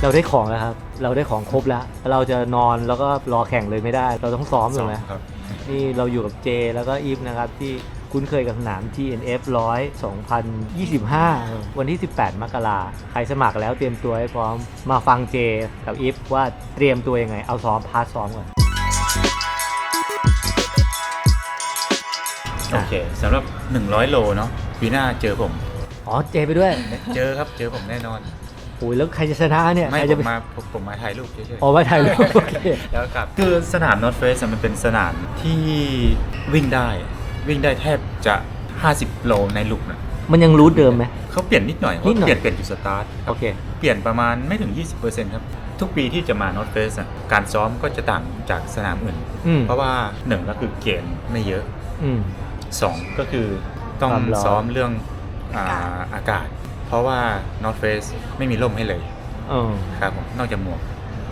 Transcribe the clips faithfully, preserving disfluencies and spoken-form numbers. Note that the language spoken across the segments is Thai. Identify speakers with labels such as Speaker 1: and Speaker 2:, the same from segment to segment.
Speaker 1: เราได้ของแล้วครับเราได้ของครบแล้วเราจะนอนแล้วก็รอแข่งเลยไม่ได้เราต้องซ้อมถูกไหมครับนี่เราอยู่กับเจแล้วก็อีฟนะครับที่คุ้นเคยกับสนาม ที เอ็น เอฟ หนึ่งร้อย สองพันยี่สิบห้าวันที่สิบแปดมกราใครสมัครแล้วเตรียมตัวให้พร้อมมาฟังเจกับอีฟว่าเตรียมตัวยังไงเอาซ้อมพาร์ทซ้อมก่อน
Speaker 2: โอเคสำหรับหนึ่งร้อยโลเนาะปีหน้าเจอผม
Speaker 1: อ๋อเจไปด้วย
Speaker 2: เจอครับเจอผมแน่นอน
Speaker 1: โอ้ยแล้วใครจะชนะเนี่ย
Speaker 2: ไม่
Speaker 1: ใครจะ
Speaker 2: ผมมาผมมาถ่ายรูปเฉยๆ
Speaker 1: อ๋อมาถ่ายรูปโอเค
Speaker 2: แล้วกลับคือสนาม North Face มันเป็นสนามที่วิ่งได้วิ่งได้แทบจะห้าสิบโลในลูกนะ
Speaker 1: มันยังรูทเดิมไหม
Speaker 2: เขาเปลี่ยนนิดหน่อยเขาเปลี่ยนเปลี่ยนจุดสตาร์ท
Speaker 1: โอเค
Speaker 2: เปลี่ยนประมาณไม่ถึง ยี่สิบเปอร์เซ็นต์ ครับทุกปีที่จะมา North Face อ่ะการซ้อมก็จะต่างจากสนามอื่นเพราะว่าหนึ่งก็คือเกณฑ์ไม่เยอะสองก็คือต้องซ้อมเรื่องอากาศเพราะว่า North Face ไม่มีร่มให้เลยครับผมนอกจากหมวก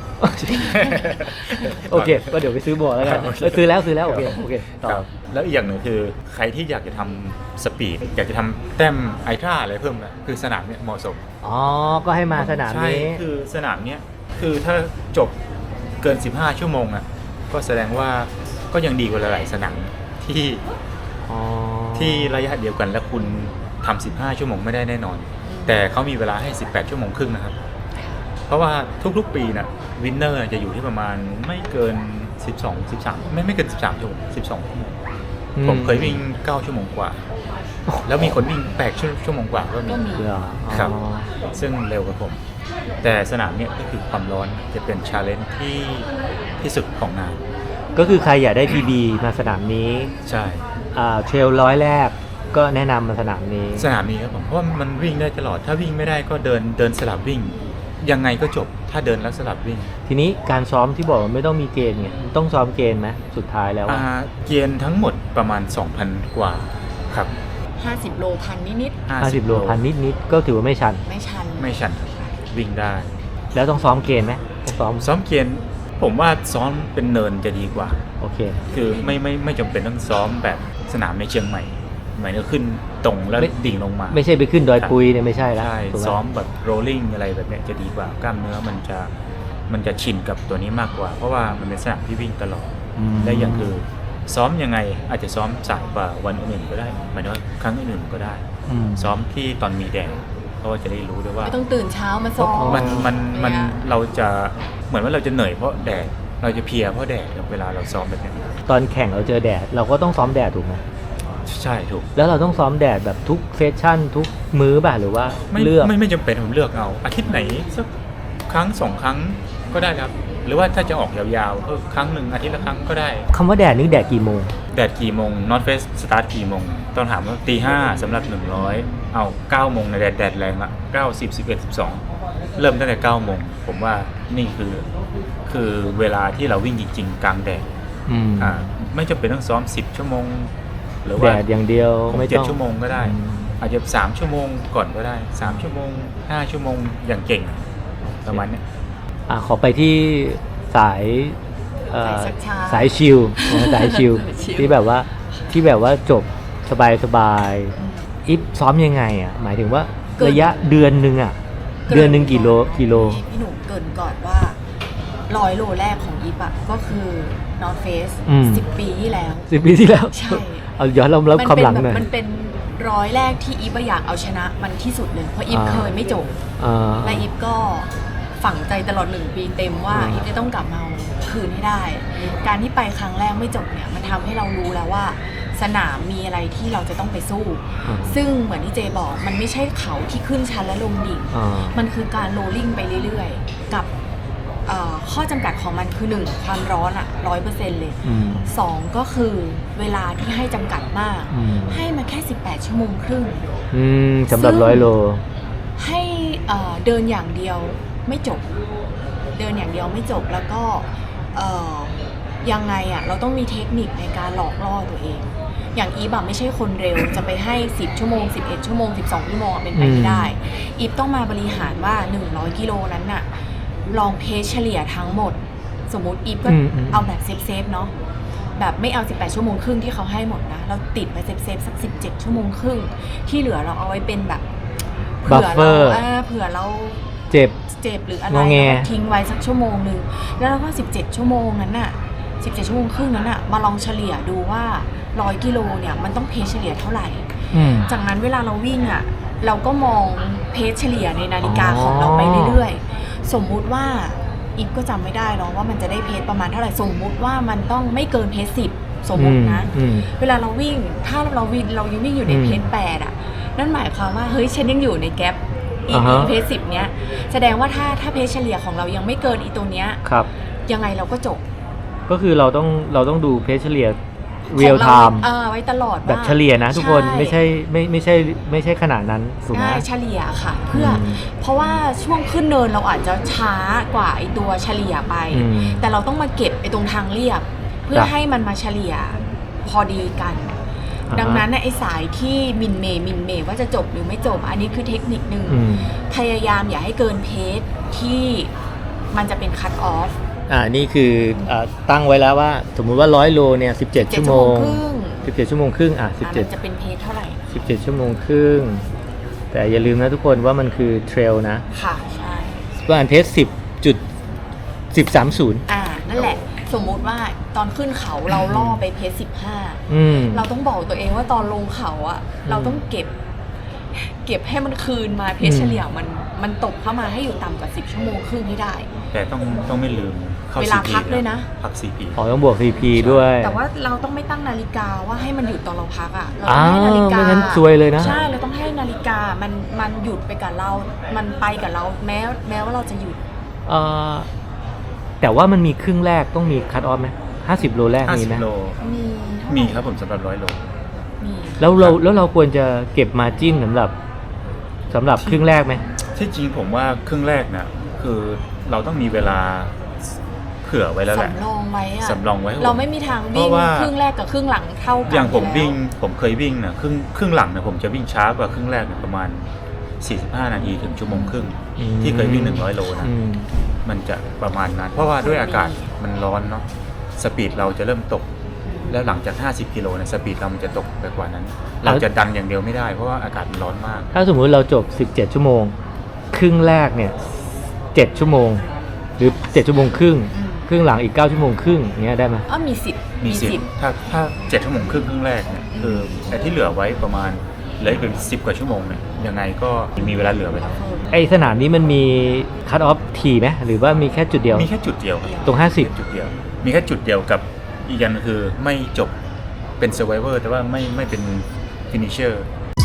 Speaker 1: โอเคก็เดี๋ยวไปซื้อหมวกแล้วกันซื้อแล้วซื้อแล้วโอเคโอเคต่อ
Speaker 2: แล้วอีกอย่างหนึ่งคือใครที่อยากจะทำสปีดอยากจะทำแต้มไอทราอะไรเพิ่มนะคือสนามเนี้ยเหมาะสม
Speaker 1: อ๋อก็ให้มาสนามนี้
Speaker 2: ใช่คือสนามเนี้ยคือถ้าจบเกินสิบห้าชั่วโมงอ่ะก็แสดงว่าก็ยังดีกว่าหลายๆสนามที่ที่ระยะเดียวกันแล้วคุณทำสิบห้าชั่วโมงไม่ได้แน่นอนแต่เขามีเวลาให้สิบแปดชั่วโมงครึ่งนะครับเพราะว่าทุกๆปีนะวินเนอร์จะอยู่ที่ประมาณไม่เกินสิบสอง สิบสามไม่ไม่เกินสิบสามชั่วโมงสิบสองชั่วโมงผมเคยวิ่งเก้าชั่วโมงกว่าแล้วมีคนวิ่งแปดชั่วโมงกว่าก็มีครับซึ่งเร็วกว่าผมแต่สนามเนี้ยก็คือความร้อนจะเป็นชาเลนจ์ที่ที่สุดของงาน
Speaker 1: ก็คือใครอยากได้ พี บี มาสนามนี้
Speaker 2: ใช่
Speaker 1: อ่าเทรลร้อยแรกก็แนะนำมาสนามนี้
Speaker 2: สนามนี้ครับผมเพราะว่ามันวิ่งได้ตลอดถ้าวิ่งไม่ได้ก็เดินเดินสลับวิ่งยังไงก็จบถ้าเดินแล้วสลับวิ่ง
Speaker 1: ทีนี้การซ้อมที่บอกว่าไม่ต้องมีเกณฑ์เนี่ยต้องซ้อมเกณฑ์ไหมสุดท้ายแล้ว
Speaker 2: อ่าเกณฑ์ทั้งหมดประมาณ สองพัน กว่าครับ
Speaker 3: ห้าสิบโลพันนิด
Speaker 1: ๆห้าสิบโลพันนิดๆก็ถือว่าไม่ชัน
Speaker 3: ไม่ชัน
Speaker 2: ไม่ชันวิ่งได้
Speaker 1: แล้วต้องซ้อมเกณฑ์ไหมต้องซ้อม
Speaker 2: ซ้อมเกณฑ์ผมว่าซ้อมเป็นเนินจะดีกว่า
Speaker 1: โอเค
Speaker 2: คือไม่ไม่ไม่จำเป็นต้องซ้อมแบบสนามในเชียงใหม่หมายถึงขึ้นตรงแล้วดิ่งลงมา
Speaker 1: ไม่ใช่ไปขึ้นดอยปุยเนี่ยไม่ใช่แล้ว
Speaker 2: ใช่ซ้อมแบบโรลลิ่งอะไรแบบนี้จะดีกว่ากล้ามเนื้อมันจะมันจะชินกับตัวนี้มากกว่าเพราะว่ามันเป็นสนามที่วิ่งตลอดและอย่างคือซ้อมยังไงอาจจะซ้อมสายกว่าวันอื่นก็ได้หมายถึงว่าครั้งอื่นก็ได้ซ้อมที่ตอนมีแดดเพราะว่าจะได้รู้ด้วยว่า
Speaker 3: ไม่ต้องตื่นเช้ามาซ้อม
Speaker 2: มันมันมันเราจะเหมือนว่าเราจะเหนื่อยเพราะแดดเราจะเพลียเพราะแดดเวลาเราซ้อมแบบนี้
Speaker 1: ตอนแข่งเราเจอแดดเราก็ต้องซ้อมแดดถูกไหม
Speaker 2: ใช่ถูก
Speaker 1: แล้วเราต้องซ้อมแดดแบบทุกเซสชั่นทุกมื้อป่ะหรือว่า
Speaker 2: เลือกไม่ไม่จำเป็นผมเลือกเอาอาทิตย์ไหนสักครั้งสองครั้งก็ได้ครับหรือว่าถ้าจะออกยาวๆก็ครั้งหนึ่งอาทิตย์ละครั้งก็ได้
Speaker 1: คำว่าแดดนี่แดดกี่โมง
Speaker 2: แดดกี่โมง North Face สตาร์ทกี่โมงต้องถามว่าตีห้าสำหรับหนึ่งร้อยเอาเก้าโมงในแดดแดดแรงละเก้า สิบ สิบเอ็ด สิบสองเริ่มตั้งแต่เก้าโมงผมว่านี่คือคือเวลาที่เราวิ่งจริงๆกลางแดดอ่าไม่จำเป็นต้องซ้อมสิบชั่วโมงหรือว่า
Speaker 1: แดดอย่างเดียว
Speaker 2: ไม่ต้องเจ็ดชั่วโมงก็ได้อาจจะสามชั่วโมงก่อนก็ได้สามชั่วโมงห้าชั่วโมงอย่างเก่งประมาณนี้
Speaker 1: อ่ะขอไปที่สายสายชิลสายชิลที่แบบว่าที่แบบว่าจบสบายสบายอิฟซ้อมยังไงอ่ะหมายถึงว่าระยะเดือนนึงอ่ะเดือนนึงกี่โลกิโล
Speaker 3: พี่หนุ่มเกินก่อนว่าร้อยโลแรกของอีฟอะก็คือ North Face สิบปีที่แล้ว
Speaker 1: สิบปีที่แล้ว
Speaker 3: ใช่
Speaker 1: เอาย้อนเราเล่าความหลังหน่อย
Speaker 3: มันเป็นร้อยแรกที่อีฟอยากเอาชนะมันที่สุดเลยเพราะอีฟเคยไม่จบและอีฟก็ฝังใจตลอดหนึ่งปีเต็มว่าอีฟจะต้องกลับมาคืนให้ได้การที่ไปครั้งแรกไม่จบเนี่ยมันทำให้เรารู้แล้วว่าสนามมีอะไรที่เราจะต้องไปสู้ซึ่งเหมือนที่เจบอกมันไม่ใช่เขาที่ขึ้นชันและลงดิ่งมันคือการโรลลิ่งไปเรื่อยๆกับข้อจำกัดของมันคือหนึ่งความร้อนอะร้อยเปอร์เซ็นต์เลยสองก็คือเวลาที่ให้จำกัดมากให้มาแค่สิบแปดชั่วโมงครึ่ง
Speaker 1: สำหรับร้อยโล
Speaker 3: ให้เดินอย่างเดียวไม่จบเดินอย่างเดียวไม่จบแล้วก็ยังไงอะเราต้องมีเทคนิคในการหลอกล่อตัวเองอย่างอีฟแบบไม่ใช่คนเร็วจะไปให้สิบชั่วโมงสิบเอ็ดชั่วโมงสิบสองชั่วโมงเป็นไปไม่ได้อีฟต้องมาบริหารว่าหนึ่งร้อยกิโลนั้นน่ะลองเพจเฉลี่ยทั้งหมดสมมุติอีฟก็เอาแบบเซฟๆเนาะแบบไม่เอาสิบแปดชั่วโมงครึ่งที่เขาให้หมดนะเราติดไปเซฟๆสักสิบเจ็ดชั่วโมงครึ่งที่เหลือเราเอาไว้เป็นแบบเผื่อเราเผื่อเรา
Speaker 1: เจ็บ
Speaker 3: เจ็บหรืออะไร
Speaker 1: งอแง
Speaker 3: แล้วก็ทิ้งไว้สักชั่วโมงหนึ่งแล้วเราก็สิบเจ็ดชั่วโมงนั้นน่ะสิบเจ็ดชั่วโมงครึ่งนั้นน่ะมาลองเฉลี่ยดูว่าร้อยกิโลเนี่ยมันต้องเพสเฉลี่ยเท่าไหร่
Speaker 1: อืม
Speaker 3: จากนั้นเวลาเราวิ่งอ่ะเราก็มองเพสเฉลี่ยในนาฬิกา
Speaker 1: อ๋อ
Speaker 3: ของเราไปเรื่อยๆสมมุติว่าอีฟก็จำไม่ได้เนาะว่ามันจะได้เพสประมาณเท่าไหร่สมมุติว่ามันต้องไม่เกินเพสสิบสมมตินะ
Speaker 1: อืม
Speaker 3: เวลาเราวิ่งถ้าเราวิ่งเรายังวิ่งอยู่ใน
Speaker 1: อืม
Speaker 3: เพสแปดอ่ะนั่นหมายความว่าเฮ้ยฉันยังอยู่ในแกปอี
Speaker 1: อ่าฮะ
Speaker 3: เพสสิบเนี้ยแสดงว่าถ้าถ้าเพสเฉลี่ยของเรายังไม่เกินอีตัวเนี้ย
Speaker 1: ครับ
Speaker 3: ยังไงเราก็จบ
Speaker 1: ก็คือเราต้องเราต้องดูเพจเฉลี่ย
Speaker 3: ของ
Speaker 1: real
Speaker 3: รา
Speaker 1: time
Speaker 3: เออไว้ตลอด
Speaker 1: แบบ
Speaker 3: ว่า
Speaker 1: เฉลี่ยนะทุกคน
Speaker 3: ใช่
Speaker 1: ไม่ใช่ไม่ไม่ใช่ไม่ใช่ขนาดนั้นถูกไหม
Speaker 3: ใช่เฉลี่ยค่ะ เพื่ออ
Speaker 1: ม
Speaker 3: เพราะว่าช่วงขึ้นเนินเราอาจจะช้ากว่าไอตัวเฉลี่ยไป
Speaker 1: อืม
Speaker 3: แต่เราต้องมาเก็บไอตรงทางเรียบ เพื่อ
Speaker 1: จ้ะ
Speaker 3: ให้มันมาเฉลี่ยพอดีกัน
Speaker 1: อ่าฮะ
Speaker 3: ดังนั้นน่ะไอสายที่มินเมย์มินเมย์ว่าจะจบหรือไม่จบ อันนี้คือเทคนิคหนึ่ง
Speaker 1: อืม
Speaker 3: พยายามอย่าให้เกินเพจที่มันจะเป็นคัตออฟ
Speaker 1: อ่านี่คืออ่าตั้งไว้แล้วว่า สมมุติว่าร้อยโลเนี่ยสิบเจ็ดชั่วโมง
Speaker 3: ครึ่ง
Speaker 1: สิบเจ็ดชั่วโมงครึ่งอ่ะสิบ
Speaker 3: อ่ะ
Speaker 1: เจ็ด
Speaker 3: มันจะเป็นเพจเท่าไหร่
Speaker 1: สิบเจ็ดชั่วโมงครึ่งแต่อย่าลืมนะทุกคนว่ามันคือเทรลนะ
Speaker 3: ค่ะใช่
Speaker 1: ประมาณเพจสิบจุดสิบสามศูนย์
Speaker 3: อ่านั่นแหละ สมมุติว่าตอนขึ้นเขาเราล่อไปเพจสิบห้า
Speaker 1: อืม
Speaker 3: เราต้องบอกตัวเองว่าตอนลงเขาอะเราต้องเก็บ เก็บให้มันคืนมาเพจ
Speaker 1: อืม
Speaker 3: เฉลี่ยมันมันตกเข้ามาให้อยู่ต่ำกว่าสิบชั่วโมงครึ่งให้ได้
Speaker 2: แต่ต้องต้องไม่ลืมเข้า
Speaker 3: เวลา
Speaker 2: ซีพี
Speaker 3: พักด้วยนะ
Speaker 2: พัก ซี พี
Speaker 1: อ๋อต้องบวก ซี พี ด้วย
Speaker 3: แต่ว่าเราต้องไม่ตั้งนาฬิกาว่าให้มันหยุดตอนเราพักอะเรา
Speaker 1: อ้า
Speaker 3: ต้องให้นาฬิ
Speaker 1: ว
Speaker 3: กา
Speaker 1: ไม่งั้นซวยเลยนะ
Speaker 3: ใช่เราต้องให้นาฬิกามันมันหยุดไปกับเรา มันไปกับเราแม้แม้ว่าเราจะหยุด
Speaker 1: เอ่อแต่ว่ามันมีครึ่งแรกต้องมีคัตออฟไหมห้าสิบโลแรก
Speaker 2: ห้า
Speaker 1: มี
Speaker 2: สิบ
Speaker 1: ไหม
Speaker 2: โล
Speaker 3: มีเท่าไห
Speaker 2: มีครับผมสำหรับร้อยโล
Speaker 3: มี
Speaker 1: แล้วเราแล้วเราควรจะเก็บมาจิ้นสำหรับสำหรับครึ่งแรกไหม
Speaker 2: ที่จริงผมว่าครึ่งแรกนะคือเราต้องมีเวลาเผื่อไว้แล้วแหละ
Speaker 3: สำรองไว้อะ
Speaker 2: สำรองไว้
Speaker 3: เราไม่มีทาง
Speaker 2: เพ
Speaker 3: วิ่ง
Speaker 2: ราะว่า
Speaker 3: ครึ่งแรกกับครึ่งหลังเท่ากัน
Speaker 2: อย่างผม
Speaker 3: แล้ว
Speaker 2: วิ่งผมเคยวิ่งนะครึ่งครึ่งหลังนะผมจะวิ่งช้ากว่าครึ่งแรกเนี่ยประมาณสี่สิบห้านาทีถึงชั่วโมงครึ่ง
Speaker 1: อืม
Speaker 2: ที่เคยวิ่งหนึ่งร้อยโลนะ
Speaker 1: อืม
Speaker 2: มันจะประมาณนั้น เพราะว่าด้วยอากาศมันร้อนเนาะสปีดเราจะเริ่มตก แล้วหลังจากห้าสิบกิโลเนี่ยสปีดเรามันจะตกไปกว่านั้น เราจะดันอย่างเดียวไม่ได้เพราะว่าอากาศมันร้อนมาก
Speaker 1: ถ้าสมมุติเราจบสิบเจ็ดชั่วโมง ครึ่งแรกเนี่ยเจ็ดชั่วโมง หรือเจ็ดชั่วโมงครึ่ง
Speaker 3: อืม
Speaker 1: ครึ่งหลังอีกเก้าชั่วโมงครึ่งอย่างเงี้ยได้ไหม
Speaker 3: อ้อมีสิทธิ์
Speaker 2: มีสิทธิ์ถ้าถ้าเจ็ดชั่วโมงครึ่งครึ่งแรกเนี่ยคือแต่ที่เหลือไว้ประมาณเหลืออีกเป็นสิบกว่าชั่วโมงเนี่ยยังไงก็มีเวลาเหลือไว้แล้ว
Speaker 1: ไอสนามนี้มันมีคัตออฟทีไหมหรือว่ามีแค่จุดเดียว
Speaker 2: มีแค่จุดเดียวครับ
Speaker 1: ตรงห้าสิบ
Speaker 2: จุดเดียว มีแค่จุดเดียวกับอีกอย่างคือไม่จบเป็น survivor แต่ว่าไม่ไม่เป็น finisher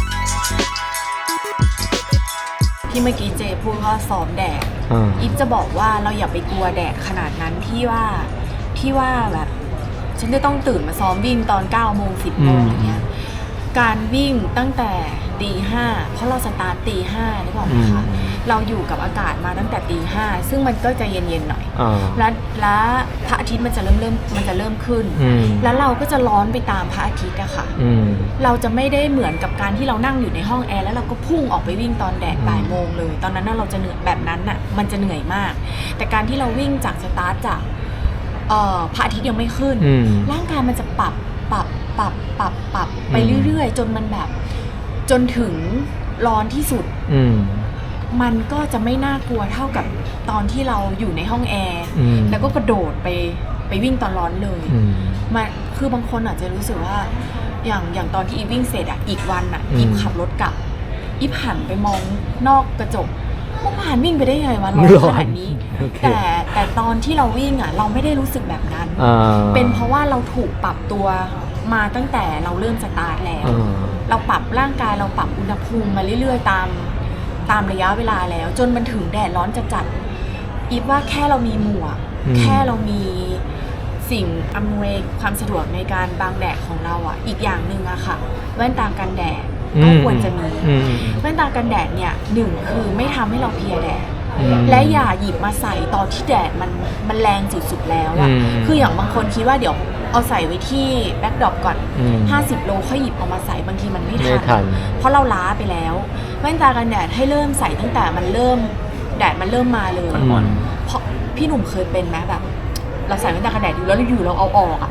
Speaker 3: ที่เมื่อกี้เจพูดว่าซ้อมแดด
Speaker 1: อ่า
Speaker 3: อีฟจะบอกว่าเราอย่าไปกลัวแดดขนาดนั้นที่ว่าที่ว่าแบบฉันจะต้องตื่นมาซ้อมวิ่งตอนเก้าโมงสิบโมงอะไรเงี้ยการวิ่งตั้งแต่ตีห้าเพราะเราสตาร์ทตีห้านึกออกไหมคะ
Speaker 1: อืม
Speaker 3: เราอยู่กับอากาศมาตั้งแต่ตีห้าซึ่งมันก็จะเย็นๆหน่อย
Speaker 1: อ่า
Speaker 3: แล้วแล้วพระอาทิตย์มันจะเริ่มเริ่มมันจะเริ่มขึ้น
Speaker 1: อืม
Speaker 3: แล้วเราก็จะร้อนไปตามพระอาทิตย์อะค่ะ
Speaker 1: อืม
Speaker 3: เราจะไม่ได้เหมือนกับการที่เรานั่งอยู่ในห้องแอร์แล้วเราก็พุ่งออกไปวิ่งตอนแดด
Speaker 1: อืม
Speaker 3: บ่ายโมงเลย ตอนนั้นน่ะเราจะเหนื่อยแบบนั้นน่ะมันจะเหนื่อยมาก แต่การที่เราวิ่งจากสตาร์ทจากเอ่อพระอาทิตย์ยังไม่ขึ้น
Speaker 1: อืม
Speaker 3: ร่างกายมันจะปรับปรับปรับปรับปรับไป
Speaker 1: อืม
Speaker 3: เรื่อยๆ จนมันแบบจนถึงร้อนที่สุด
Speaker 1: อืม
Speaker 3: มันก็จะไม่น่ากลัวเท่ากับตอนที่เราอยู่ในห้องแอร์
Speaker 1: อืม
Speaker 3: แล้วก็กระโดดไปไปวิ่งตอนร้อนเลย
Speaker 1: อืม
Speaker 3: มันคือบางคนอาจจะรู้สึกว่าอย่างอย่างตอนที่อีฟวิ่งเสร็จอะอีกวันอะ
Speaker 1: อืม
Speaker 3: อีฟขับรถกลับอีฟหันไปมองนอกกระจกเมื่อวานวิ่งไปได้ยังไงวะร้อนขนาดนี้
Speaker 1: โอเค
Speaker 3: แต่แต่ตอนที่เราวิ่งอะเราไม่ได้รู้สึกแบบนั้น
Speaker 1: อ่า
Speaker 3: เป็นเพราะว่าเราถูกปรับตัวมาตั้งแต่เราเริ่มสตาร์ทแล้ว
Speaker 1: อ่า
Speaker 3: เราปรับร่างกายเราปรับอุณหภูมิมาเรื่อยๆ ตามตามระยะเวลาแล้ว จนมันถึงแดดร้อนจัดๆอีฟว่าแค่เรามีหมวก
Speaker 1: อืม
Speaker 3: แค่เรามีสิ่งอำนวยความสะดวกในการบังแดดของเราอ่ะอีกอย่างหนึ่งอะค่ะแว่นตากันแดดก็ควรจะมี
Speaker 1: อืม
Speaker 3: แว่นตากันแดดเนี่ยหนึ่งคือไม่ทำให้เราเพลียแดด
Speaker 1: อืม
Speaker 3: และอย่าหยิบมาใส่ตอนที่แดดมันมันแรงสุดๆแล้วอะ
Speaker 1: อืม
Speaker 3: คืออย่างบางคนคิดว่าเดี๋ยวเอาใส่ไว้ที่แบ็คดรอปก่อน
Speaker 1: อืม
Speaker 3: ห้าสิบโลค่อยหยิบเอามาใส่บางทีมันไม่
Speaker 1: ไม่
Speaker 3: ทั
Speaker 1: ทัน
Speaker 3: เพราะเราล้าไปแล้วแว่นตากันแดดให้เริ่มใส่ตั้งแต่มันเริ่มแดดมันเริ่มมาเลย
Speaker 2: อ่อน
Speaker 3: เพราะพี่หนุ่มเคยเป็นไหมแบบ เราใส่แว่นตากันแดดอยู่แล้วอยู่เราเอาออกอะ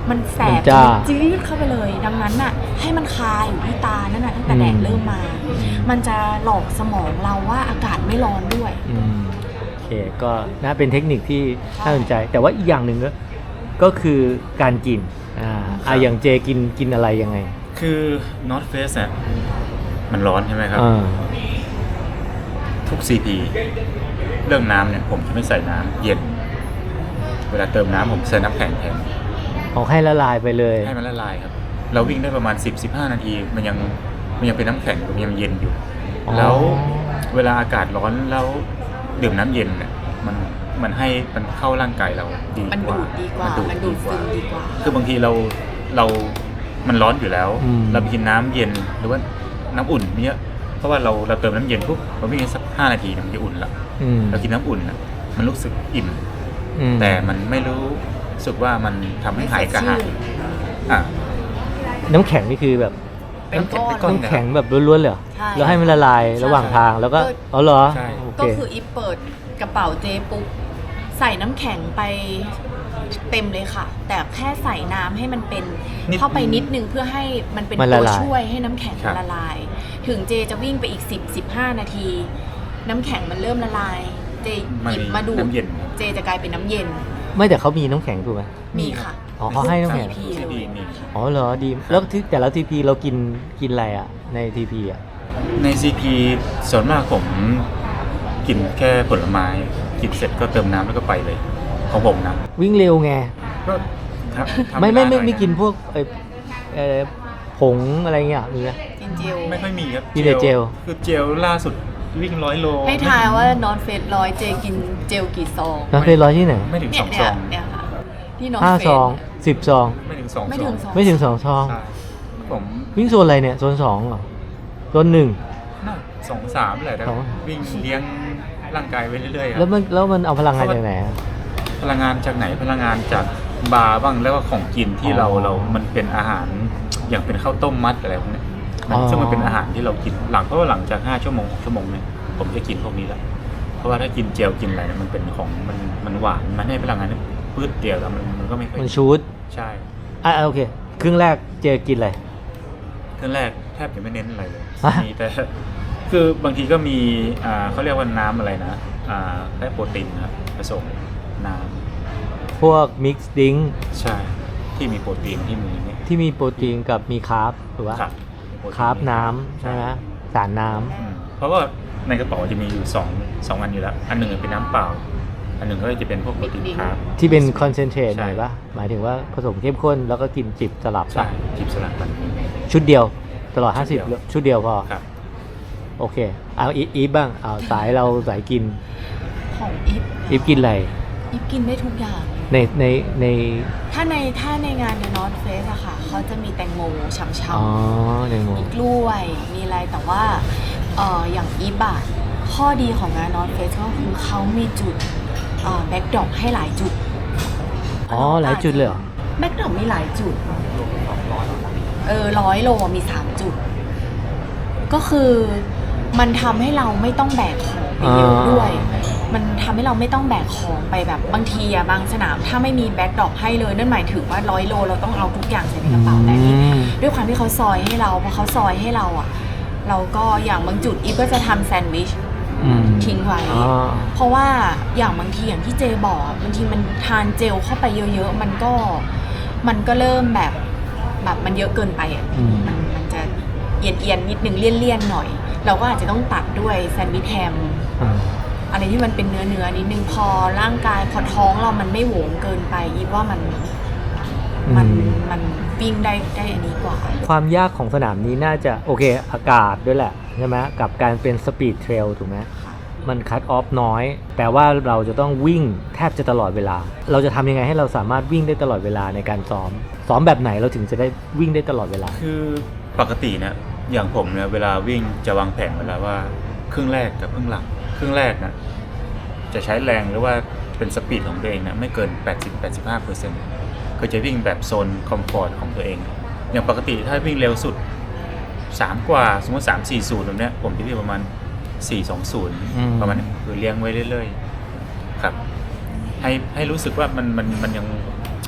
Speaker 3: มันแสบ
Speaker 1: มันจ้า
Speaker 3: จี๊ดเข้าไปเลย ดังนั้นน่ะให้มันคาอยู่ที่ตานั่นน่ะตั้งแต่แดดเริ่มมา มันจะหลอกสมองเราว่าอากาศไม่ร้อนด้วย
Speaker 1: อืมโอเคก็น่าเป็นเทคนิคที่น่าสนใจ แต่ว่าอีกอย่างหนึ่งก็ก็คือการกินอ่าอ่ะอย่างเจกินกินอะไรยังไง
Speaker 2: คือ North Face เนี่ยมันร้อนใช่ไหมครับ
Speaker 1: อ่า
Speaker 2: ทุก ซี พี เรื่องน้ำเนี่ยผมจะไม่ใส่น้ำเย็น เวลาเติมน้ำผมใส่น้ำแข็งแทน
Speaker 1: ออกให้ละลายไปเลย
Speaker 2: ให้มันละลายครับ เราวิ่งได้ประมาณ สิบถึงสิบห้า นาที มันยังมันยังเป็นน้ำแข็งอยู่มันยังเย็นอยู่
Speaker 1: อ๋อ
Speaker 2: แล้วเวลาอากาศร้อนแล้วดื่มน้ำเย็นเนี่ยมันมันให้มันเข้าร่างกายเราดี
Speaker 3: มัน
Speaker 2: กว่า
Speaker 3: ดูดดีกว่า มันดูดซึมดีกว่า
Speaker 2: คือบางทีเราเรา มันร้อนอยู่แล้ว
Speaker 1: อืม
Speaker 2: เราไปกินน้ำเย็นหรือว่าน้ำอุ่นเนี้ยเพราะว่าเราเราเติมน้ำเย็นปุ๊บเราวิ่งสักห้านาทีเนี่ยมันจะอุ่นละ
Speaker 1: อืม
Speaker 2: เรากินน้ำอุ่นน่ะมันรู้สึกอิ่ม
Speaker 1: อืม
Speaker 2: แต่มันไม่รู้สึกว่ามันทำให้หายกระหายอ่ะ
Speaker 1: น้ำแข็งนี่คือแบบ
Speaker 3: เป็นก้อน
Speaker 2: เป็นก้อน
Speaker 1: น้ำแข็งแบบล้วนๆเลยเหรอ
Speaker 3: ใช่
Speaker 1: แล้วให้มันละลายระหว่างทางแล้วก็อ๋อเหรอ
Speaker 2: ใช่
Speaker 1: โอเค
Speaker 3: ก็คืออีฟเปิดกระเป๋าเจปุ๊บใส่น้ำแข็งไปเต็มเลยค่ะ แต่แค่ใส่น้ำให้มันเป็น
Speaker 2: นิด
Speaker 3: เข้าไปนิดนึงเพื่อให้มันเป็น
Speaker 1: มันละ
Speaker 3: ตัว
Speaker 1: ลาย
Speaker 3: ช่วยให้น้ำแข็ง
Speaker 2: ครับ
Speaker 3: ละลาย ถึงเจจะวิ่งไปอีก สิบ สิบห้า นาที น้ำแข็งมันเริ่มละลาย เจหยิบมาดูด
Speaker 2: น้ำเย็น
Speaker 3: เจจะกลายเป็นน้ำเย็น
Speaker 1: ไม่แต่เขามีน้ำแข็งถูกไหม
Speaker 3: มีค่ะ
Speaker 1: อ๋อเขาให้น้ำแข็ง
Speaker 3: ซี พี
Speaker 2: ซี
Speaker 3: เล
Speaker 2: พี
Speaker 3: ย
Speaker 2: มี
Speaker 1: อ๋อเหรอดีแล้วที่แต่ละทีพีเรากินกินอะไรอ่ะในทีพีอ่ะ
Speaker 2: ใน ซี พี ส่วนมากผมกินแค่ผลไม้กินเสร็จก็เติมน้ำแล้วก็ไปเลยของผมนะ
Speaker 1: วิ่งเร็วไง
Speaker 2: ก็ทำทำ
Speaker 1: ไม่ไม่ไม่
Speaker 2: เวลาหอย
Speaker 1: ไม่กินพวกเอ่อเอ่อผงอะไรเงี้ยมีไหม
Speaker 3: จริงเจล
Speaker 2: ไม่ค่อยมีครับ
Speaker 1: มีแต่เจล
Speaker 2: คือเจลล่าสุดวิ่งร้อยโล
Speaker 3: ให้ทายว่านอนเฟสร้อยเจกินเจลกี่ซอง
Speaker 1: น้ำเคยร้อยที่ไหน
Speaker 2: ไม่ถึง
Speaker 3: เนี่
Speaker 2: ส
Speaker 3: ย
Speaker 2: อง
Speaker 3: เนี่
Speaker 2: ซ
Speaker 3: ย
Speaker 2: อง
Speaker 3: เนี่ยค่ะที่นอน
Speaker 1: ห้า
Speaker 3: เฟ
Speaker 1: ซองสิบซอง
Speaker 2: ไม่ถึงสอง
Speaker 3: ไม่
Speaker 2: ซ
Speaker 3: ถึ
Speaker 2: อง
Speaker 3: งสอง
Speaker 1: ไม่ถึงสองซอง
Speaker 2: ใช่ผม
Speaker 1: วิ่งโซนอะไรเนี่ยโซนสองเหรอโซนหนึ่ง
Speaker 2: น่าสองสามแหละแต่
Speaker 1: สอง
Speaker 2: วิ่งเลี้ยงร่างกายไปเรื่อยๆค
Speaker 1: แล้
Speaker 2: รั
Speaker 1: ว
Speaker 2: บ
Speaker 1: มันแล้วมันเอาพลังงานจากไหนอะ
Speaker 2: พลังงานจากไหนพลังงานจากบาร์บ้างแล้วก็ของกินที่เรา
Speaker 1: อ๋อ
Speaker 2: เรา มันเป็นอาหารอย่างเป็นข้าวต้มมัดอะไรพวกเนี้ยมัน
Speaker 1: อ๋อ
Speaker 2: ซึ่งมันเป็นอาหารที่เรากินหลังเพราะว่าหลังจากห้าชั่วโมงชั่วโมงเนี่ยผมจะกินพวกนี้แล้วเพราะว่าถ้ากินเจลกินอะไรเนี่ยมันเป็นของมันมันหวานมันให้พลังงานเนี่ยปื๊ดเดียวแล้วมันมันก็ไม่ค่อย
Speaker 1: มันชูด
Speaker 2: ใช่
Speaker 1: อ่ะโอเคครึ่งแรกเจกินอะไร
Speaker 2: ครั้งแรกแทบจะไม่เน้นอะไรเลย
Speaker 1: ฮะ
Speaker 2: มีแต่ คือบางทีก็มีอ่าเขาเรียกว่าน้ำอะไรนะอ่าได้โปรตีนนะครับผสมน้
Speaker 1: พวกมิกซ์ดิ้ง
Speaker 2: ำใช่ที่มีโปรตีนที่มีเนี่ย
Speaker 1: ที่มีโปรตีนกับมีคาร์บหรือว่า
Speaker 2: ครับมีโปตี
Speaker 1: คาร์บน้ำใช่ไหมสารน้
Speaker 2: อืมเพราะว่าในกระเป๋าจะมีอยู่สองสองอันอยู่แล้ว อันหนึ่งเป็นน้ำเปล่า อันหนึ่งก็จะเป็นพวกโปรตีนคาร์บ
Speaker 1: ำที่เป็นคอนเซนเทรต
Speaker 2: ใช่
Speaker 1: หน่อยปะหมายถึงว่าผสมเข้มข้นแล้วก็กินจิบสลับ
Speaker 2: ใช่
Speaker 1: ปะ
Speaker 2: จิบสลัดกัน
Speaker 1: ชุดเดียวตลอด
Speaker 2: ชุดเดียว
Speaker 1: ห้าสิบชุดเดียวพอ
Speaker 2: ครับ
Speaker 1: โอเค เอาอีอีฟบ้าง เอาสายเราสายกิน
Speaker 3: ของอีฟ
Speaker 1: อีฟกินอะไร
Speaker 3: อีฟกินได้ทุกอย่าง
Speaker 1: ในในใน
Speaker 3: ถ้าในถ้าในงาน The North Face อะค่ะเขาจะมีแตงโมฉ่
Speaker 1: อ๋อ
Speaker 3: ำ
Speaker 1: ในง
Speaker 3: ๆ
Speaker 1: ง
Speaker 3: มีกล้วย มีอะไรแต่ว่าเอ่ออย่างอีฟอะข้อดีของงาน North Face ก็คือเขามีจุดแบ็กดรอปให้หลายจุด
Speaker 1: อ๋อ หลายจุดเลยเหรอ
Speaker 3: แบ็กดรอปมีหลายจุด เออร้อยโลมีสามจุด ก็คือมันทำให้เราไม่ต้องแบกของไปเยอะด้วย มันทำให้เราไม่ต้องแบกของไปแบบบางทีอะบางสนามถ้าไม่มีแบ็กดรอปให้เลยนั่นหมายถึงว่าร้อยโลเราต้องเอาทุกอย่างใส่ในกระเป๋าแต่นี่
Speaker 1: อืม
Speaker 3: ด้วยความที่เขาซอยให้เราพอเขาซอยให้เราอะเราก็อย่างบางจุดอีฟก็จะทำแซนด์วิช
Speaker 1: อืม
Speaker 3: ทิ้งไว้
Speaker 1: อ๋อ
Speaker 3: เพราะว่าอย่างบางทีอย่างที่เจบอกอะบางทีมันทานเจลเข้าไปเยอะๆมันก็มันก็เริ่มแบบแบบมันเยอะเกินไปอะ
Speaker 1: อืม
Speaker 3: มันมันจะเอียนเอียนๆนิดนึงเลี่ยนๆหน่อย เราก็อาจจะต้องตัดด้วยแซนด์วิชแฮม
Speaker 1: อ่า
Speaker 3: อะไรที่มันเป็นเนื้อเนื้อนิดนึงพอร่างกายพอท้องเรามันไม่โหวงเกินไปอีฟว่ามันมันมันวิ่งได้ได้อันนี้กว่า
Speaker 1: ความยากของสนามนี้น่าจะโอเคอากาศด้วยแหละใช่ไหมกับการเป็นสปีดเทรลถูกไหมมันคัตออฟน้อยแปลว่าเราจะต้องวิ่งแทบจะตลอดเวลา เราจะทำยังไงให้เราสามารถวิ่งได้ตลอดเวลาในการซ้อม ซ้อมแบบไหนเราถึงจะได้วิ่งได้ตลอดเวลา
Speaker 2: คือปกติเนี่ยอย่างผมเนี่ยเวลาวิ่งจะวางแผนเวลาว่าครึ่งแรกกับครึ่งหลังครึ่งแรกนะจะใช้แรงหรือว่าเป็นสปีดของตัวเองนะไม่เกิน แปดสิบถึงแปดสิบห้าเปอร์เซ็นต์ ก็จะวิ่งแบบโซนคอมฟอร์ตของตัวเอง อย่างปกติถ้าวิ่งเร็วสุดสามกว่าสมมติสาม สี่ ศูนย์แบบเนี้ยผมจะวิ่งประมาณสี่ สอง ศูนย์
Speaker 1: อืม
Speaker 2: ประมาณนี้คือเลี้ยงไว้เรื่อยๆครับให้ให้รู้สึกว่ามันมันมันยัง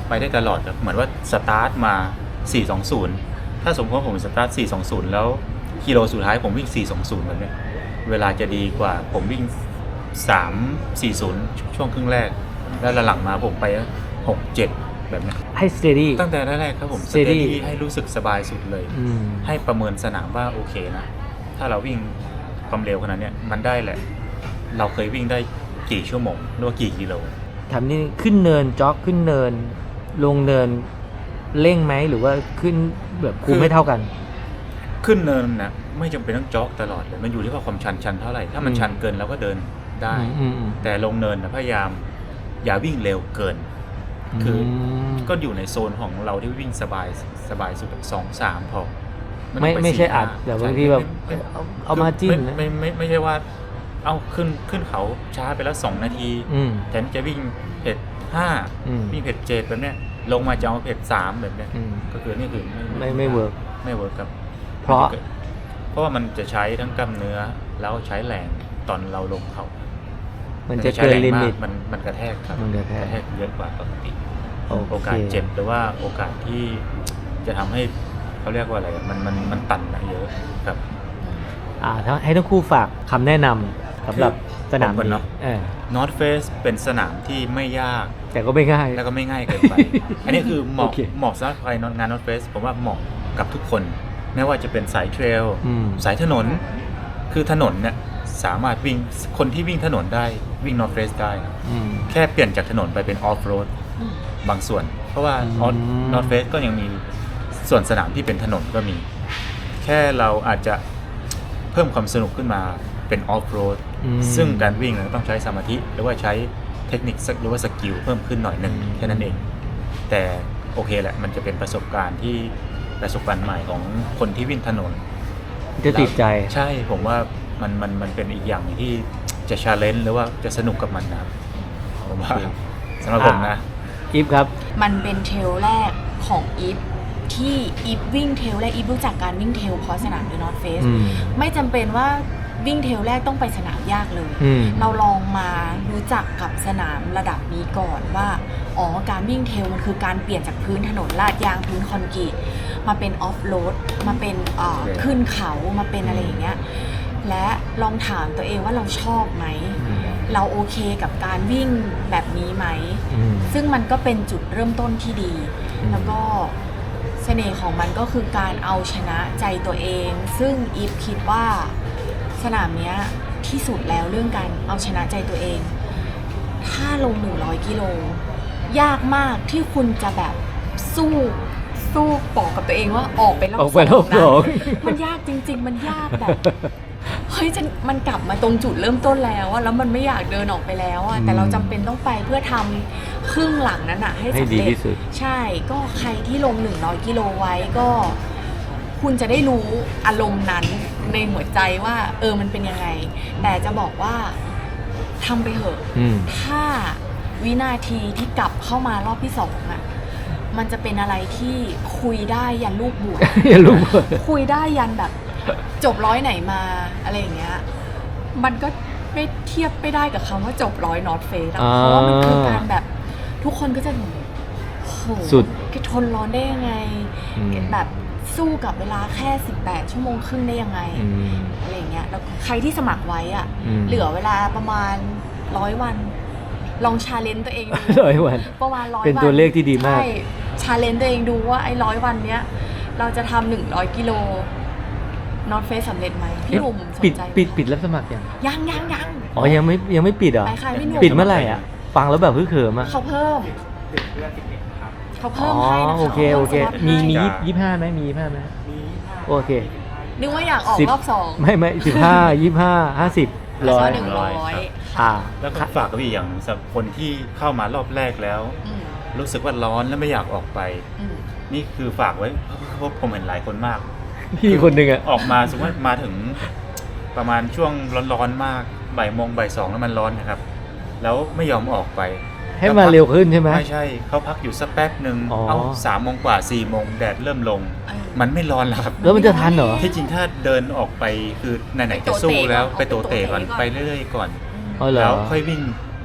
Speaker 2: ไปได้ตลอดครับเหมือนว่าสตาร์ทมาสี่สองศูนย์ถ้าสมมติว่าผมสตาร์ทสี่สองศูนย์แล้วกิโลสุดท้ายผมวิ่งสี่สองศูนย์แบบเนี้ยเวลาจะดีกว่าผมวิ่งสามสี่ศูนย์ช่วงครึ่งแรกแล้วหลังๆมาผมไปหกเจ็ดแบบเนี้ย
Speaker 1: ให้ steady
Speaker 2: ตั้งแต่แรกๆครับผม
Speaker 1: steady
Speaker 2: ให้รู้สึกสบายสุดเลย
Speaker 1: อืม
Speaker 2: ให้ประเมินสนามว่าโอเคนะถ้าเราวิ่งความเร็วขนาดเนี้ยมันได้แหละเราเคยวิ่งได้กี่ชั่วโมงหรือว่ากี่กิโล
Speaker 1: ถามนี่ขึ้นเนินจ็อกขึ้นเนิน ลงเนินเร่งไหมหรือว่าขึ้นแบบคุมไม่เท่ากัน
Speaker 2: ขึ้นเนินนะไม่จำเป็นต้องจ็อกตลอดเลยมันอยู่ที่ว่าความชันชันเท่าไหร่ถ้ามัน
Speaker 1: อืม
Speaker 2: ชันเกินเราก็เดินได้
Speaker 1: อืมอืม
Speaker 2: แต่ลงเนินนะพยายามอย่าวิ่งเร็วเกิน คือ
Speaker 1: ม
Speaker 2: ก็อยู่ในโซนของเราที่วิ่งสบายสบายสุดสองสามพอ
Speaker 1: ไม่
Speaker 2: ต้องป
Speaker 1: ไม่ใช่
Speaker 2: สี่
Speaker 1: อัด
Speaker 2: ห้
Speaker 1: แต่บาง
Speaker 2: ใช่
Speaker 1: ทีแบบ
Speaker 2: ไม่ไม่
Speaker 1: เอาเอามาจิ้นนะ
Speaker 2: ไม่ไม่ไม่ไม่ใช่ว่า เอาขึ้นขึ้นเขาช้าไปแล้วสองนาที
Speaker 1: อืม
Speaker 2: แทนที่จะวิ่งเพจห้า
Speaker 1: อืม
Speaker 2: วิ่งเพจเจ็ดแบบเนี้ยลงมาจะเอาเพจสามแบบเนี้ย
Speaker 1: อืม
Speaker 2: ก็คือนี่คือ
Speaker 1: ไม่ไม่เวิร์ก
Speaker 2: ไม่เวิร์กครับ
Speaker 1: เพราะ
Speaker 2: เพราะว่ามันจะใช้ทั้งกล้ามเนื้อแล้วใช้แรงตอนเราลงเขา
Speaker 1: มันจะ
Speaker 2: ใช้
Speaker 1: เกิน
Speaker 2: แรง
Speaker 1: ลิ
Speaker 2: มา
Speaker 1: มิ
Speaker 2: ก
Speaker 1: ต
Speaker 2: มันมันกระแทกครับ
Speaker 1: มันกระแทก
Speaker 2: เยอะกว่าปกติ
Speaker 1: โอ
Speaker 2: โอ
Speaker 1: เค
Speaker 2: กาสเจ็บหรือว่าโอกาสที่จะทำให้เขาเรียกว่าอะไรอะมันมันมันตันอะเยอะครับ
Speaker 1: อ่าถ้าให้ทั้งคู่ฝากคำแนะนำสำหรับสนาม
Speaker 2: ผมก่อน
Speaker 1: นี้
Speaker 2: เนอะ
Speaker 1: เออ
Speaker 2: North Face เป็นสนามที่ไม่ยาก
Speaker 1: แต่ก็ไม่ง่าย
Speaker 2: แล้วก็ไม่ง่ายเกินไป อันนี้คือเหมาะ
Speaker 1: โอเค
Speaker 2: เหมาะสำหรับใครงาน North Face ผมว่าเหมาะกับทุกคน ไม่ว่าจะเป็นสายเทรล
Speaker 1: อืม
Speaker 2: สายถนน คือถนนเนี่ยสามารถวิ่งคนที่วิ่งถนนได้วิ่ง North Face ได้
Speaker 1: อืม
Speaker 2: แค่เปลี่ยนจากถนนไปเป็น Off Road
Speaker 3: อืม
Speaker 2: บางส่วน เพราะว่า
Speaker 1: อืม
Speaker 2: North Face ก็ยังมีส่วนสนามที่เป็นถนนก็มี แค่เราอาจจะเพิ่มความสนุกขึ้นมาเป็น Off Road
Speaker 1: อืม
Speaker 2: ซึ่งการวิ่งเนี่ยต้องใช้สมาธิหรือว่าใช้เทคนิคสักหรือว่าสกิลเพิ่มขึ้นหน่อยหนึ่ง
Speaker 1: อืม
Speaker 2: แค่นั้นเอง แต่โอเคแหละมันจะเป็นประสบการณ์ที่ประสบการณ์ใหม่ของคนที่วิ่งถนน
Speaker 1: จะติดใจ
Speaker 2: ใช่ผมว่ามันมันมันเป็นอีกอย่างหนึ่งที่จะชาเลนจ์หรือว่าจะสนุกกับมันนะครับผมว่า
Speaker 1: โอเค
Speaker 2: สำหรับผมนะ
Speaker 1: อีฟครับ
Speaker 3: มันเป็นเทรลแรกของอีฟที่อีฟวิ่งเทรลแรกอีฟรู้จักการวิ่งเทรลเพราะสนามเดอะนอร์ทเฟส
Speaker 1: อืม
Speaker 3: ไม่จำเป็นว่าวิ่งเทรลแรกต้องไปสนามยากเลย
Speaker 1: อืม
Speaker 3: เราลองมารู้จักกับสนามระดับนี้ก่อนว่าอ๋อการวิ่งเทรลมันคือการเปลี่ยนจากพื้นถนนลาดยางพื้นคอนกรีตมาเป็นออฟโรดมาเป็นเอ่อ
Speaker 2: โอเค
Speaker 3: ขึ้นเขามาเป็นอะไรอย่างเงี้ยและลองถามตัวเองว่าเราชอบไหม
Speaker 1: อืม
Speaker 3: เราโอเคกับการวิ่งแบบนี้ไหม
Speaker 1: อืม
Speaker 3: ซึ่งมันก็เป็นจุดเริ่มต้นที่ดี
Speaker 1: อืม
Speaker 3: แล้วก็เสน่ห์ของมันก็คือการเอาชนะใจตัวเอง ซึ่งอีฟคิดว่าสนามเนี้ยที่สุดแล้วเรื่องการเอาชนะใจตัวเอง ถ้าลงหนึ่งร้อยกิโล ยากมากที่คุณจะแบบสู้สู้บอกกับตัวเองว่าออกไปรอบ
Speaker 1: ออกไปรอบ
Speaker 3: นะ
Speaker 1: สอง
Speaker 3: มันยากจริง ๆ มันยากแบบ เฮ้ยจะมันกลับมาตรงจุดเริ่มต้นแล้วอะแล้วมันไม่อยากเดินออกไปแล้วอะแต่เราจำเป็นต้องไปเพื่อทำครึ่งหลังนั้นอะให้
Speaker 1: ให้
Speaker 3: สำ
Speaker 1: ดี
Speaker 3: เร็จ
Speaker 1: ที่สุด
Speaker 3: ใช่ก็ใครที่ลงหนึ่งร้อยกิโลไว้ก็ คุณจะได้รู้อารมณ์นั้นในหัวใจว่า เออมันเป็นยังไง แต่จะบอกว่าทำไปเถอะ
Speaker 1: อืม
Speaker 3: ถ้าวินาทีที่กลับเข้ามารอบที่สองอะมันจะเป็นอะไรที่คุยได้ยันลูกบวช
Speaker 1: อย่ารู้
Speaker 3: คุยได้ยันแบบจบร้อยไหนมาอะไรอย่างเงี้ย มันก็ไม่เทียบไม่ได้กับคำว่าจบร้อยนอตเฟส
Speaker 1: อ่า
Speaker 3: เพราะว่ามันคือการแบบทุกคนก็จะโห
Speaker 1: สุด
Speaker 3: แกทนร้อนได้ยังไง
Speaker 1: อืม
Speaker 3: แบบสู้กับเวลาแค่สิบแปดชั่วโมงครึ่งได้ยังไง
Speaker 1: อืม
Speaker 3: อะไรอย่างเงี้ย แล้วใครที่สมัครไว้อะ
Speaker 1: อืม
Speaker 3: เหลือเวลาประมาณร้อยวัน ลองชาเลนจ์ตัวเองดู
Speaker 1: ร้อยวัน
Speaker 3: ประมาณร้อยวัน
Speaker 1: เป็นตัวเลขที่ดีมาก
Speaker 3: ใช่ชาเลนจ์ตัวเองดูว่าไอ้ร้อยวันเนี้ย เราจะทำหนึ่งร้อยกิโลนอตเฟสสำเร็จไหมพี่หนุ่มสน
Speaker 1: ปิด
Speaker 3: ใจ
Speaker 1: ปิดปิดรับสมัครยัง
Speaker 3: ยังยังยัง
Speaker 1: อ๋อ ยังไม่ยังไม่ปิดเหรอ
Speaker 3: ไปค่ะพี่หนุ่ม
Speaker 1: ปิดเมื่อไหร่อ่ะ ฟังแล้วแบบฮึ่เขิมอ่ะ
Speaker 3: เขาเพิ่มเขา
Speaker 1: อ๋
Speaker 3: เพิ่
Speaker 1: อ
Speaker 3: มให้นะคะ
Speaker 1: โอเคโอเค
Speaker 3: ขาพิ่
Speaker 1: มี
Speaker 3: สล็อต
Speaker 1: มี
Speaker 3: ให้
Speaker 1: ยี่ห้าไหมมียี่ห้าไหมโอเค
Speaker 3: นึกว่าอยากออก
Speaker 1: สิบ
Speaker 3: รอบสอง
Speaker 1: ไม่ไม่สิบห้ายี่ห้าห้าสิบ
Speaker 3: แล้ว
Speaker 1: ร้อ
Speaker 3: ก็
Speaker 1: ย
Speaker 3: หนึ่งร้อย
Speaker 1: อ่า
Speaker 2: แล้วก็ฝากกับอีกอย่างสำหรับคนที่เข้ามารอบแรกแล้ว
Speaker 3: อืม
Speaker 2: รู้สึกว่าร้อนและไม่อยากออกไป
Speaker 3: อืม
Speaker 2: นี่คือฝากไว้เพราะผมเห็นหลายคนมาก
Speaker 1: พี่คนหนึ่งอ่ะ
Speaker 2: ออกมาสมมติมาถึงประมาณช่วงร้อนๆมากบ่ายโมงบ่ายสองแล้วมันร้อนนะครับ แล้วไม่ยอมออกไป
Speaker 1: ให้มาเร็วขึ้นใช่ไหม
Speaker 2: ไม่ใช่เขาพักอยู่สักแป๊บหนึ่ง
Speaker 1: อ๋อ
Speaker 2: เอาสามโมงกว่าสี่โมงแดดเริ่มลง
Speaker 3: เออ
Speaker 2: มันไม่ร้อนแล้วครับ
Speaker 1: แล้วมันจะทันเหรอ
Speaker 2: ที่จริงถ้าเดินออกไปคือไหนๆจะสู้แล้วไปโตเตะก่อนไปเรื่อยๆก่อน
Speaker 1: อ๋อเหรอ
Speaker 2: แล้วค่อยวิ่ง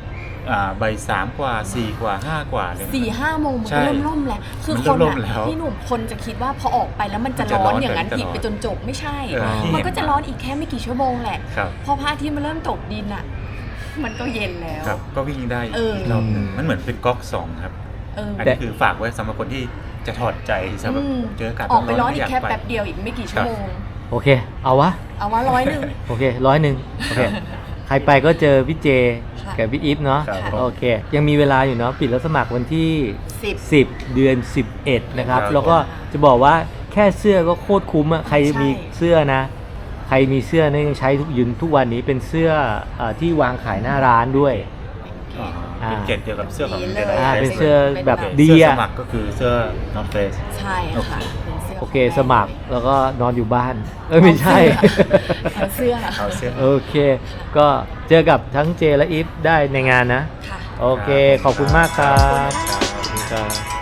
Speaker 2: อ่าใบสามกว่าสี่กว่าห้ากว่าเลยนะ
Speaker 3: สี่ห้าโมงมัน
Speaker 2: ใช่
Speaker 3: ก็เริ่มร่มแล้ว คือ
Speaker 2: มัน
Speaker 3: ค
Speaker 2: เริ่
Speaker 3: น
Speaker 2: มร่ม
Speaker 3: อะ
Speaker 2: แล้ว
Speaker 3: พี่หนุ่มคนจะคิดว่าพอออกไปแล้วมันจะ
Speaker 2: มันจะ
Speaker 3: ร้อน
Speaker 2: ร้อน
Speaker 3: อย่างนั้น
Speaker 2: ไป
Speaker 3: อีก
Speaker 2: ตลอด
Speaker 3: ไปจนจบไม่ใช่
Speaker 2: เออที่
Speaker 3: มัน
Speaker 2: เห็น
Speaker 3: ก็จะร้อนอีกแค่ไม่กี่ชั่วโมงแหละ
Speaker 2: ครับ
Speaker 3: พอพระอาทิตย์มันเริ่มตกดินอ่ะ มันก็เย็นแล้ว
Speaker 2: ครับก็วิ่งได้
Speaker 3: เอออี
Speaker 2: กรอบหนึงมันเหมือนเป็นก๊อกสองครับ
Speaker 3: เออ
Speaker 2: อันนี้คือฝากไว้สำหรับคนที่จะถอดใจสำหรับ
Speaker 3: อืม
Speaker 2: เจออากาศ
Speaker 3: ออกไปร้อน
Speaker 2: ม่
Speaker 3: อี
Speaker 2: ยาก
Speaker 3: แค่
Speaker 2: ไป
Speaker 3: แป๊บเดียวอีกไม่กี่ชั่วโมง
Speaker 1: โอเค เอาวะ
Speaker 3: เอาว่าร้อยหนึ่ง
Speaker 1: โอเคร้อยหนึ่งโอเค ใครไปก็เจอพี่เจ
Speaker 3: ค่ะ
Speaker 1: กับพี่อีฟเนาะ
Speaker 2: ครับ
Speaker 1: โอเค ยังมีเวลาอยู่เนาะปิดรับสมัครวันที่
Speaker 3: สิบ
Speaker 1: สิบเดือนสิบเอ็ดนะครับ
Speaker 2: ครับ
Speaker 1: แล้วก็จะบอกว่าแค่เสื้อก็โคตรคุ้มอะใคร
Speaker 3: ใช่
Speaker 1: มีเสื้อนะ ใครมีเสื้อเนี่ยยังใช้ทุกยืนทุกวันนี้เป็นเสื้อเออที่วางขายหน้าร้านด้วย
Speaker 2: อ๋อเป็นเกรดเดียวกับเสื้อของ
Speaker 3: ดี
Speaker 2: เด
Speaker 3: เลย
Speaker 1: อ่า
Speaker 2: ล
Speaker 1: เป็นเสื้อแบบ
Speaker 2: โอเค
Speaker 1: ดี
Speaker 2: เสื้อ
Speaker 1: อะ
Speaker 2: สมัครก็คือเสื้อ North Face
Speaker 3: ใช่ค่ะเป็นสื้
Speaker 1: โอเคสมัครแล้วก็นอนอยู่บ้าน เอ้ยไม่ใช่
Speaker 3: เอาเสื้อ
Speaker 2: เอาเสื้อ
Speaker 1: โอเค ก็เจอกับทั้งเจและอีฟได้ในงานนะ
Speaker 3: ค่ะ
Speaker 1: โอเค ขอบคุณมากครับ
Speaker 3: ขอบคุณค่ะ
Speaker 1: ขอบคุณครับ